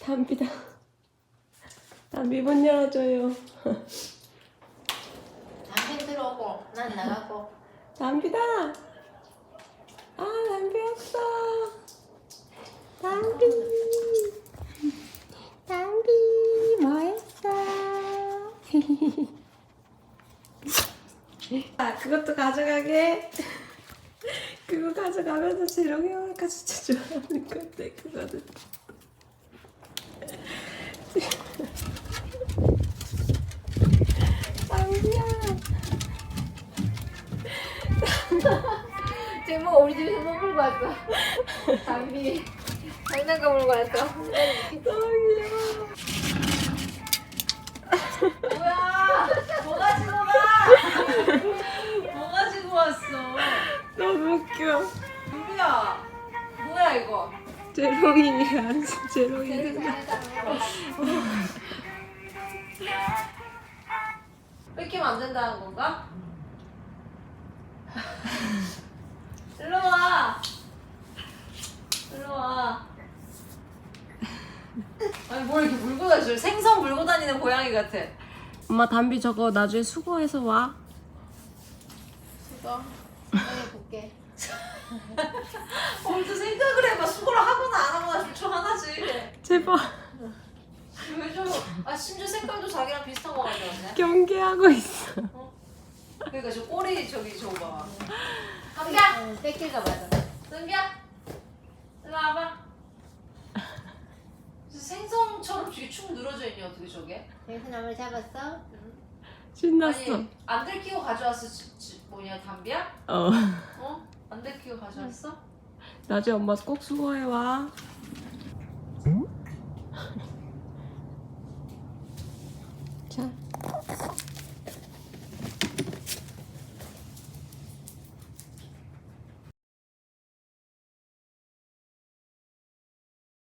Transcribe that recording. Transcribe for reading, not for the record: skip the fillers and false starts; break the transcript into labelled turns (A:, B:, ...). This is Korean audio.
A: 담비다. 담비 문 열어줘요.
B: 담비 들어오고 난 나가고.
A: 담비다. 아, 담비 왔어. 담비. 담비 뭐 했어? 아, 그것도 가져가게. 그거 가져가면서 재롱이 형아가 진짜 좋아하는 건데 그거는. 담비야.
B: 지금 우리 집에서 뭐 물고 왔어? 담비 장난감 물고 왔어.
A: 너무 귀여워.
B: 뭐야? 뭐 가지고 가? 뭐 가지고 왔어?
A: 너무 웃겨.
B: 담비야 뭐야 이거?
A: 재롱이야. 재롱이 된다.
B: 뺏기면 안 된다는 건가? 일로 와. 일로 와. 아니 뭘 이렇게 물고 다니죠? 생선 물고 다니는 고양이 같아.
A: 엄마 담비 저거 나중에 수거해서 와.
B: 수거. 수거해 볼게. 또 생각을 해봐. 수거를 하거나 안 하거나 둘 중 하나지.
A: 제발.
B: 왜 저? 아 심지어 색깔도 자기랑 비슷한 거 가져왔네.
A: 경계하고 있어.
B: 그러니까 저 꼬리 저기 저거 봐. 담비야. 뺏길까 봐서. 담비야. 일로 와봐. 생선처럼 되게 축 늘어져 있니 어떻게 저게?
C: 생선나물 잡았어?
A: 신났어.
B: 아니 안 들키고 가져왔어. 뭐냐 담비야?
A: 어.
B: 어? 안 들키고 가져왔어?
A: 나중에 엄마 꼭 수거해 와. 자.